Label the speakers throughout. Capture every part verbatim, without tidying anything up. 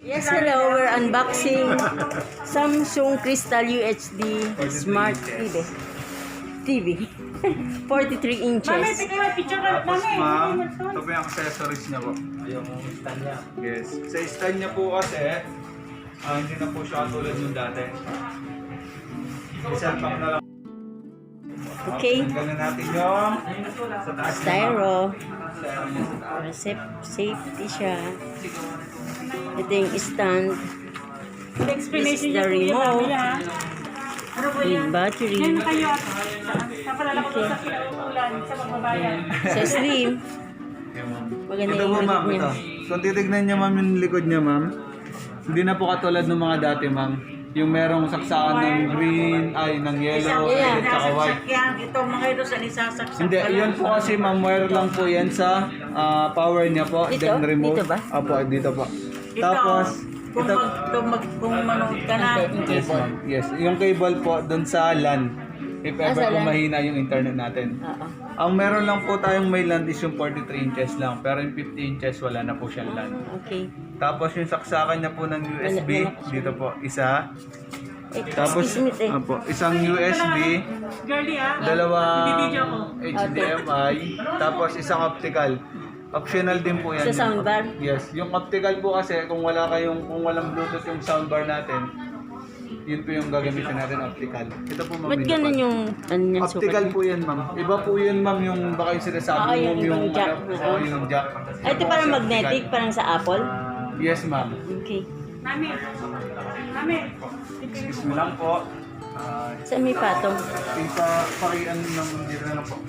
Speaker 1: Yes, hello. We're unboxing Samsung Crystal U H D Smart T V. T V. forty-three inches.
Speaker 2: Mami, tingnan mo, picture ka.
Speaker 3: Tapos
Speaker 2: Mami,
Speaker 3: ma'am,
Speaker 2: mami,
Speaker 3: ito po yung accessories niya po.
Speaker 4: Yung stand niya.
Speaker 3: Yes. Sa stand niya po kasi, ah, hindi na po siya katulad nung dati. Isang pack na lang.
Speaker 1: Okay.
Speaker 3: Tanggalin na natin yung sa taas.
Speaker 1: Styro.
Speaker 3: Styro niya sa taas.
Speaker 1: Para safe, safety siya. Ito yung stand.
Speaker 2: explanation
Speaker 1: This is the
Speaker 2: niya po yan,
Speaker 1: remote.
Speaker 2: mami, ha? Ano po
Speaker 1: Yung
Speaker 2: yan?
Speaker 1: battery.
Speaker 2: Yan kayo. Kapalala ko
Speaker 1: Okay.
Speaker 2: sa pinauulan sa pagbabayan.
Speaker 1: Sa slim.
Speaker 3: Okay, ma'am.
Speaker 1: Maganda
Speaker 3: Ito
Speaker 1: yung
Speaker 3: po
Speaker 1: likod
Speaker 3: ma'am,
Speaker 1: niya.
Speaker 3: ito. Kung titignan niya ma'am yung likod niya ma'am, hindi na po katulad ng mga dati ma'am. Yung merong saksakan ng green, ay ng yellow,
Speaker 1: Yeah.
Speaker 3: at saka white.
Speaker 2: Yan, ito mga ito sa nisasaksak.
Speaker 3: Hindi, yun po kasi ma'am, wire lang po yan sa ah, power niya po,
Speaker 1: Dito?
Speaker 3: then remote.
Speaker 1: Dito ba?
Speaker 3: Apo, dito po.
Speaker 2: Ito,
Speaker 3: Tapos,
Speaker 2: kung,
Speaker 3: ito,
Speaker 2: mag, kung, mag, kung manood ka na.
Speaker 1: Ito, yung
Speaker 3: yes
Speaker 1: cable.
Speaker 3: ma'am, yes. Yung cable po, dun sa LAN. If
Speaker 1: Ah,
Speaker 3: ever
Speaker 1: sa
Speaker 3: kung
Speaker 1: LAN.
Speaker 3: mahina yung internet natin.
Speaker 1: Oo.
Speaker 3: Ang meron lang po tayong may LAN is yung forty-three inches lang, pero yung fifty inches wala na po siyang LAN.
Speaker 1: Okay.
Speaker 3: Tapos yung saksakan niya po ng U S B,
Speaker 1: Wala- wala.
Speaker 3: dito po, isa.
Speaker 1: Eh,
Speaker 3: Tapos,
Speaker 1: excuse me, eh.
Speaker 3: apo, isang U S B,
Speaker 2: Girlie, ha?
Speaker 3: dalawang
Speaker 2: Bibidyo ko.
Speaker 3: H D M I, tapos isang optical. Optional din po yan.
Speaker 1: Sa soundbar?
Speaker 3: Yes. Yung optical po kasi, kung wala kayong, kung walang Bluetooth yung soundbar natin, yun po yung gagamitin natin, optical. Ito po, ma'am.
Speaker 1: Ba't ganun yung ano niya?
Speaker 3: Optical po yan, ma'am. Iba po yun, ma'am, yung baka yung sinasabi
Speaker 1: Ah,
Speaker 3: mo,
Speaker 1: yung ibang
Speaker 3: yung,
Speaker 1: jack.
Speaker 3: ano, oh, yung jack.
Speaker 1: Ay, ito parang magnetic, parang sa Apple.
Speaker 3: Yes, ma'am.
Speaker 1: Okay.
Speaker 2: Mami, mami.
Speaker 3: Excuse me lang po. Ah,
Speaker 1: Saan may patong?
Speaker 3: ipa, pakian ng dito na lang po.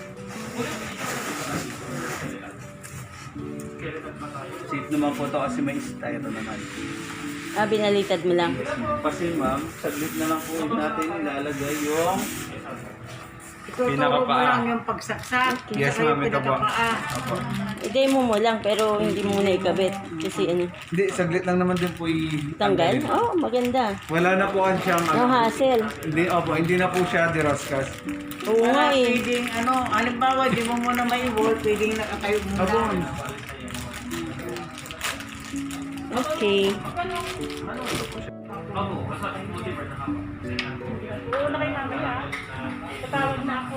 Speaker 3: Safe naman po to kasi may styro naman.
Speaker 1: Ah, binalitad mo lang.
Speaker 3: Kasi ma'am, saglit na lang po natin ilalagay yung
Speaker 2: Ituturo mo
Speaker 3: Pinakapaa.
Speaker 2: lang yung pagsaksak.
Speaker 3: Yes,
Speaker 2: saka yung
Speaker 3: ma'am, ito po.
Speaker 2: pinakapaa.
Speaker 3: Opo.
Speaker 1: I-demo mo lang, pero hindi mo na ikabit. Kasi ano,
Speaker 3: Hindi, saglit lang naman din po
Speaker 1: tanggal?
Speaker 3: i-
Speaker 1: Oh, maganda.
Speaker 3: Wala na po ang siyang
Speaker 1: No hassle.
Speaker 3: Hindi, opo, hindi na po siya diroskas.
Speaker 1: Oo nga
Speaker 2: Para
Speaker 1: eh.
Speaker 2: pwedeng, ano, halimbawa, di mo muna may wall, pwedeng nakatayo muna.
Speaker 3: Opo.
Speaker 1: Okay.
Speaker 2: Oo na kay mami, ha? Tatawag na ako.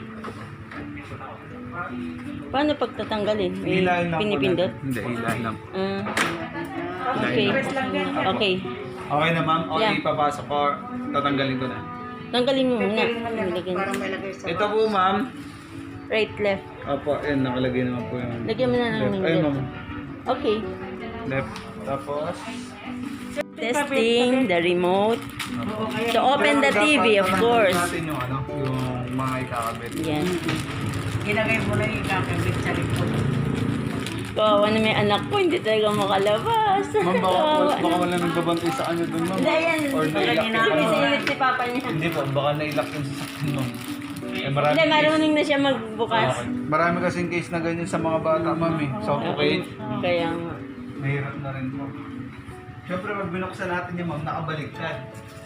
Speaker 1: Paano pagtatanggalin? May
Speaker 3: Hilahin lang po
Speaker 1: pinipindot?
Speaker 3: natin. Hindi, hilahin lang.
Speaker 1: Ah, okay.
Speaker 2: Press lang yan.
Speaker 1: Okay.
Speaker 3: Okay na ma'am, okay,
Speaker 1: Yeah.
Speaker 3: ipapasok ko, tatanggalin ko na.
Speaker 1: Tanggalin mo muna.
Speaker 2: Galing mo lang,
Speaker 1: Ilagay
Speaker 2: para
Speaker 1: mo.
Speaker 2: may lagay sa
Speaker 3: Ito po ma'am,
Speaker 1: Right, left.
Speaker 3: opo, yun, nakalagay naman po yung
Speaker 1: Lagyan mo na ng
Speaker 3: left. Ay
Speaker 1: left.
Speaker 3: ma'am,
Speaker 1: Okay.
Speaker 3: left. Tapos,
Speaker 1: Testing the remote.
Speaker 2: Oo, kaya
Speaker 1: To open the T V, of
Speaker 3: Tatanggalin
Speaker 1: course.
Speaker 3: natin yung ano, yung mga ikakabit.
Speaker 1: Yan.
Speaker 2: ilagay mo na yung kakabit sa likod.
Speaker 1: Kawawa na may anak ko, hindi talaga makalabas.
Speaker 3: Ma'am, baka,
Speaker 1: Kawawa
Speaker 3: baka
Speaker 1: na.
Speaker 3: wala nagbabantay sa kanya doon ma'am.
Speaker 1: Hindi, yan.
Speaker 3: Or
Speaker 1: Kasi
Speaker 3: nailak
Speaker 1: may
Speaker 3: yung
Speaker 1: silip si papa niya.
Speaker 3: Hindi po, baka nailak yung sasakyan ma'am. Eh, marami
Speaker 1: Hindi,
Speaker 3: case-
Speaker 1: marunong na siya magbukas.
Speaker 3: Okay. Marami kasing case na ganyan sa mga bata ma'am eh. So, okay.
Speaker 1: Kaya nga.
Speaker 3: Mahirap na rin po. Siyempre, pag binuksan natin yung ma'am, nakabaliktad.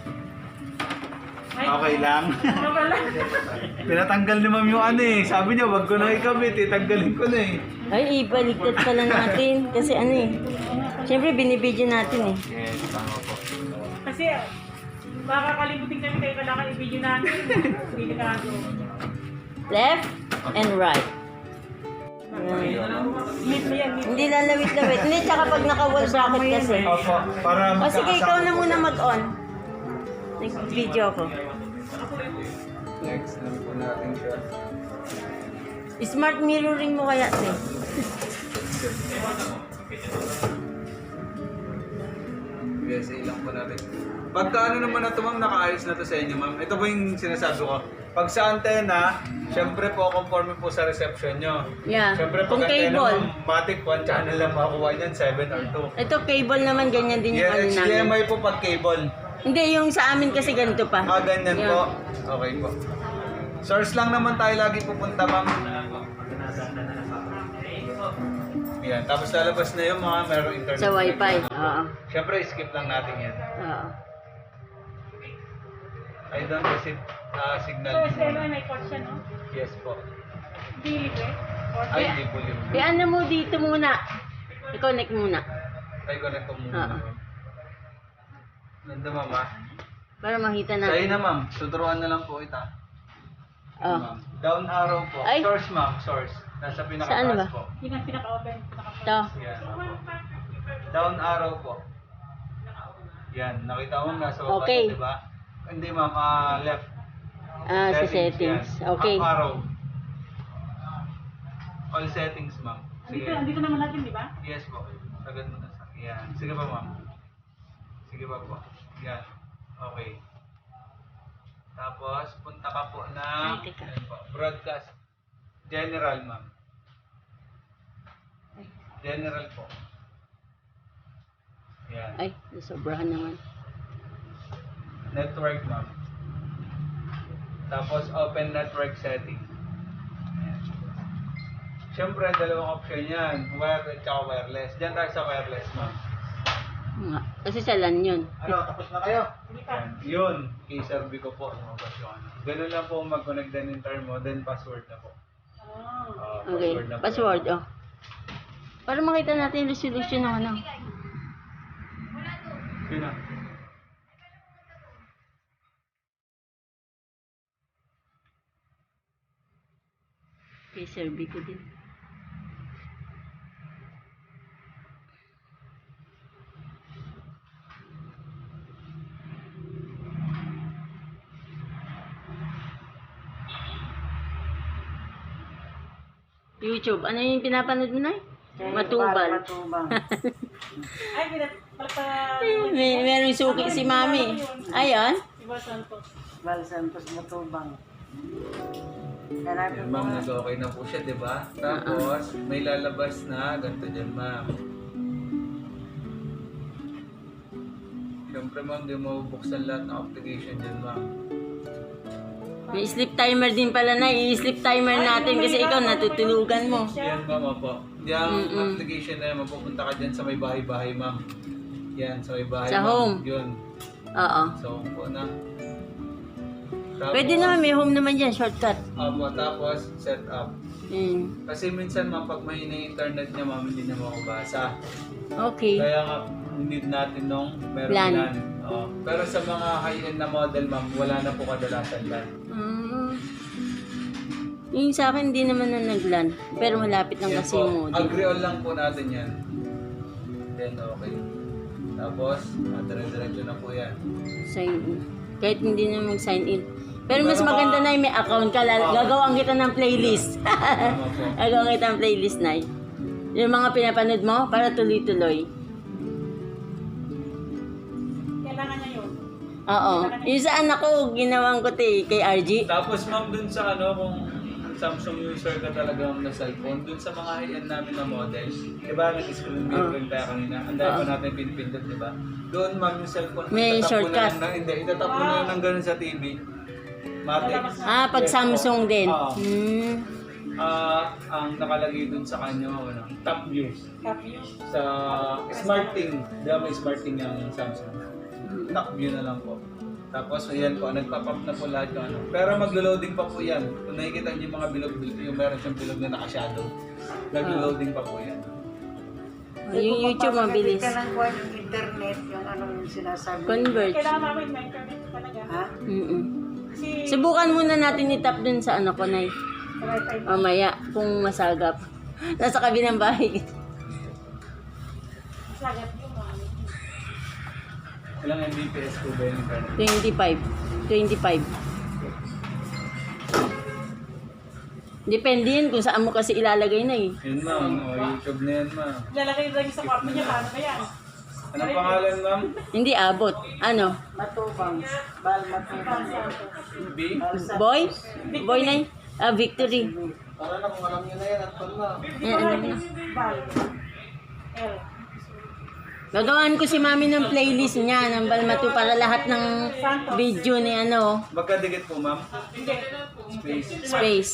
Speaker 3: Okay lang. Pinatanggal ni ma'am yung ano eh. Sabi niya, wag ko na ikabit eh. Tanggalin ko na eh.
Speaker 1: Ay, ibaliktad pala natin. Kasi ano eh. Siyempre, binibidyo natin eh.
Speaker 3: Yes, tama po.
Speaker 2: Kasi, baka kalimutin kami kayo kailangan i-video natin. Delikado.
Speaker 1: Left and right. Yan.
Speaker 2: Meet mo yan, meet.
Speaker 1: Hindi lalawit-lawit. Hindi, tsaka pag naka-wall bracket kasi.
Speaker 3: Opo, para
Speaker 1: O sige, ikaw na
Speaker 3: magkakasama
Speaker 1: muna
Speaker 3: po.
Speaker 1: mag-on. Nag-video ko.
Speaker 3: Next, lang po natin siya.
Speaker 1: Smart mirroring mo kaya, te.
Speaker 3: U S A lang po natin. Pagka ano naman na ito ma'am, nakaayos na to sa inyo ma'am. Ito po yung sinasabi ko. Pag sa antena, syempre po conforme po sa reception nyo.
Speaker 1: Yeah.
Speaker 3: Syempre
Speaker 1: Kung
Speaker 3: pag antena
Speaker 1: cable.
Speaker 3: ma'am, matic one channel lang makakuha niyan, seven or two.
Speaker 1: Ito cable naman, ganyan din yung
Speaker 3: Yeah,
Speaker 1: ano
Speaker 3: H D
Speaker 1: namin.
Speaker 3: M I po pag cable.
Speaker 1: Hindi, yung sa amin kasi ganito pa.
Speaker 3: Ah, ganyan
Speaker 1: Yeah.
Speaker 3: po. Okay po. Source lang naman tayo lagi pupunta ma'am. Yan, tapos lalabas na yung mga merong internet.
Speaker 1: Sa wifi. Oo.
Speaker 3: Syempre, skip lang natin yan.
Speaker 1: Oo.
Speaker 3: I don't receive uh, signal.
Speaker 2: So, sa ano, may court siya, no?
Speaker 3: Yes po.
Speaker 2: Hindi libre. Or
Speaker 3: Ay, di po yun.
Speaker 1: Eh, ano mo dito muna? I-connect muna.
Speaker 3: Try connect ko muna.
Speaker 1: Oo.
Speaker 3: ma'am. Ganda ma'am ha.
Speaker 1: Para makita
Speaker 3: Sa'yo
Speaker 1: natin.
Speaker 3: na ma'am, tuturuan na lang po kita.
Speaker 1: Oh.
Speaker 3: Ma'am. Down arrow po.
Speaker 1: Ay.
Speaker 3: Source ma'am, source. Nasa
Speaker 1: Saan
Speaker 3: pinakataas
Speaker 1: ba?
Speaker 3: po.
Speaker 2: Yun ang pinaka-open. Pinaka
Speaker 1: Ito.
Speaker 3: Yan. Down arrow po. Yan, nakita mo nasa baba,
Speaker 1: Okay.
Speaker 3: di ba? Hindi ma'am, ah, left.
Speaker 1: Ah, sa settings.
Speaker 3: yan.
Speaker 1: Okay.
Speaker 3: Up arrow. All settings ma'am. Sige.
Speaker 2: Dito, dito naman natin, di ba?
Speaker 3: Yes po. Sagad mo na sa. Yan. Sige pa ma'am. Sige pa po. Yan. Okay. Tapos, punta ka po na
Speaker 1: Ay, teka.
Speaker 3: yan po, broadcast. General ma'am. General po. Yan.
Speaker 1: Ay, nasobrahan naman.
Speaker 3: Network ma'am. Tapos, open network setting. Yan. Siyempre, dalawang option yan. Wired at wireless. Diyan tayo sa wireless ma'am.
Speaker 1: Nga. Kasi sa LAN yun.
Speaker 3: Ano, tapos na kayo?
Speaker 2: Hindi pa.
Speaker 3: Yan. Yun, key-serve ko po. Lumabas yung ano. Ganun lang po mag-connect din in term mo, then password na po.
Speaker 2: Ah.
Speaker 3: Uh,
Speaker 1: Okay.
Speaker 3: na po.
Speaker 1: Password, oh. Para makita natin yung resolution ng ano.
Speaker 3: Yun na.
Speaker 1: Okay, survey ko din. YouTube, ano yung pinapanood mo na? Matubal.
Speaker 2: Ay, pinat... Palpa...
Speaker 1: May, merong suki si Mami. Ayun.
Speaker 2: Iba Santos.
Speaker 4: Val Santos Matubang.
Speaker 3: Yan,
Speaker 4: Hanapin mo
Speaker 3: ma'am,
Speaker 4: nga.
Speaker 3: nag-okay na po siya, di ba? Tapos, may lalabas na ganito dyan, ma'am. Siyempre, ma'am, di mo buksan lahat ng application dyan, ma'am.
Speaker 1: May sleep timer din pala na. I-sleep timer natin kasi ikaw natutulugan mo.
Speaker 3: Yan, ma'am, opo. Yung
Speaker 1: Mm-mm.
Speaker 3: application na yan, mapupunta ka dyan sa may bahay-bahay, ma'am. Yan, sa may bahay,
Speaker 1: Sa
Speaker 3: ma'am.
Speaker 1: home.
Speaker 3: Yun.
Speaker 1: Oo.
Speaker 3: Sa home po na. Tapos,
Speaker 1: Pwede naman, may home naman dyan, shortcut.
Speaker 3: Opo, tapos, set up.
Speaker 1: Mm.
Speaker 3: Kasi minsan, ma'am, pag mahina yung internet niya, ma'am, hindi niya makabasa.
Speaker 1: Okay.
Speaker 3: Kaya nga, need natin nung meron
Speaker 1: LAN.
Speaker 3: LAN. Oo. Pero sa mga high-end na model, ma'am, wala na po kadalasan LAN.
Speaker 1: Ah. Yung sa akin, hindi naman na naglan. Pero malapit lang
Speaker 3: Yan
Speaker 1: kasi
Speaker 3: po,
Speaker 1: yung modem.
Speaker 3: agree all lang po natin yan. Then, okay. Tapos, ah, dire-diretso na po yan.
Speaker 1: Sign in. Kahit hindi na mag-sign in. Pero mas
Speaker 3: Pero
Speaker 1: maganda
Speaker 3: mga-
Speaker 1: na yung may account ka. Lal-
Speaker 3: Oo.
Speaker 1: Gagawin kita ng playlist.
Speaker 3: Tama po.
Speaker 1: Gagawin kita ng playlist na yung mga pinapanood mo para tuloy-tuloy.
Speaker 2: Kailangan niya yun.
Speaker 1: Oo. Yung sa anak ko, ginawan ko te kay R G.
Speaker 3: Tapos, ma'am, dun sa ano, kung Samsung user ka talaga na cellphone, dun sa mga high-end namin na models, di ba, nag-screen mirroring tayo kanina, ang dahil pa natin pinipindot, di ba? Doon, ma'am, yung cellphone,
Speaker 1: May
Speaker 3: itatap mo
Speaker 1: shortcut.
Speaker 3: Na, lang na, hindi, itatap mo na lang ng ganun sa T V. Matic.
Speaker 1: Ah, pag
Speaker 3: Yes,
Speaker 1: Samsung
Speaker 3: po.
Speaker 1: din.
Speaker 3: Oo.
Speaker 1: Hmm.
Speaker 3: Ah, ang nakalagay dun sa kanya, ano, top views.
Speaker 2: Copy yun.
Speaker 3: Sa Smart Thing, di ba may Smart Thing yung Samsung? Top view na lang po. Tapos, ayan po, nagpa-pop na po lahat yung ano. Pero maglo-loading pa po yan. Kung nakikita niyo yung mga bilog-bilog, yung meron siyang bilog na naka-shadow. Naglo-loading pa po yan.
Speaker 1: Yung YouTube mabilis.
Speaker 4: Ka lang kuha yung internet, yung ano yung sinasabi.
Speaker 1: Convert.
Speaker 2: Kailangan namin may internet talaga.
Speaker 4: Ha?
Speaker 1: Mm-mm.
Speaker 2: Kasi...
Speaker 1: Subukan muna natin i-tap dun sa ano ko na
Speaker 2: Wi-Fi.
Speaker 1: mamaya kung masagap. Nasa kabilang bahay.
Speaker 2: Sagat yung mga...
Speaker 3: Ilang M B P S po ba yung internet?
Speaker 1: twenty-five. twenty-five. Depende yun kung saan mo kasi ilalagay na eh.
Speaker 3: Yun ma'am, o YouTube na yan ma'am.
Speaker 2: Lalagay lang sa kwarto niya. Paano ba yan?
Speaker 3: Anong pangalan ma'am?
Speaker 1: Hindi abot. Ano?
Speaker 4: Matubang. Val Matubang.
Speaker 3: B?
Speaker 1: Boy? Boy na yun? Ah, Victory.
Speaker 3: Para na kung alam niyo na yan at na.
Speaker 1: Yan, ano na.
Speaker 2: Val. L.
Speaker 1: Gagawin ko si Mami ng playlist niya ng Balmatu para lahat ng video ni ano,
Speaker 3: Magkadikit po ma'am?
Speaker 2: Hindi.
Speaker 3: Space.
Speaker 1: space.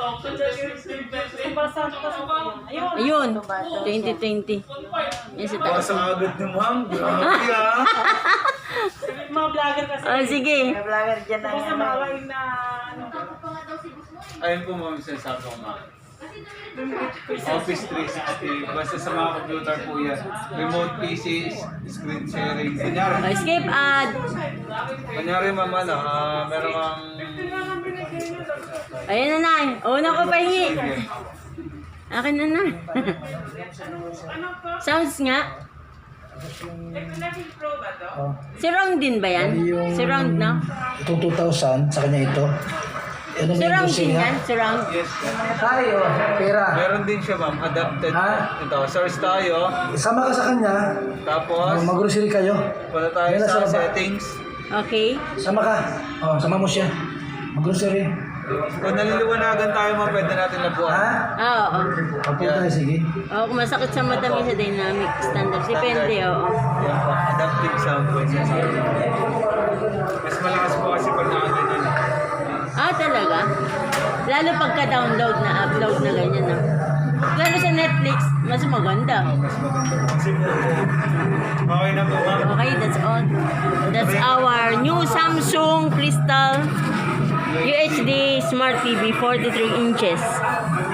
Speaker 2: Val Santos. Ayun.
Speaker 1: Ayun, twenty twenty. Yan sa taas.
Speaker 3: Basa agad ni ma'am. Grabe ah.
Speaker 2: Mga vlogger kasi.
Speaker 1: Oh, sige.
Speaker 4: May vlogger dyan ang
Speaker 2: Basta
Speaker 4: ano.
Speaker 2: mawain na... ano.
Speaker 3: Ayun po ma'am, sinasabi ko ma'am. Office three sixty. Basta sa mga computer po yan. Remote P C, screen sharing. Kunyari,
Speaker 1: Escape ad.
Speaker 3: kunyari mama na, ah, meron kang...
Speaker 1: Ayan na na. Una ko pahingi. Akin na na. Sounds nga.
Speaker 5: Oh.
Speaker 1: Surround din ba yan?
Speaker 5: Yung-
Speaker 1: Surround na?
Speaker 5: Itong two thousand, sa kanya ito. Ano may
Speaker 1: Surround
Speaker 5: dosing
Speaker 1: din
Speaker 5: ha?
Speaker 1: yan? Surround.
Speaker 3: Yes, yes.
Speaker 5: Tayo, pera.
Speaker 3: Meron din siya ma'am, adapted.
Speaker 5: Ha?
Speaker 3: Ito, search tayo.
Speaker 5: Sama ka sa kanya.
Speaker 3: Tapos,
Speaker 5: Oh, mag-grocery kayo.
Speaker 3: punta tayo
Speaker 5: Yan na
Speaker 3: sa
Speaker 5: sa baba.
Speaker 3: settings.
Speaker 1: Okay.
Speaker 5: Sama ka. Oh, sama mo siya. Mag-grocery.
Speaker 3: Kung naliliwanagan tayo ma'am, pwede natin labuan.
Speaker 5: Ha?
Speaker 1: Ah, oo.
Speaker 5: Opo tayo, sige.
Speaker 1: Oo, kung masakit sa mata mo sa dynamic standard. Depende, oo.
Speaker 3: Yan po, adaptive sound po yung sinasabi. Mas malakas po kasi pag nakaganyan.
Speaker 1: Ah, talaga? Lalo pagka-download na, upload na ganyan, no? Lalo sa Netflix, mas maganda.
Speaker 3: Mas maganda. Kasi po, okay na po ma'am.
Speaker 1: Okay, that's all. That's our new Samsung Crystal U H D Smart T V forty-three inches.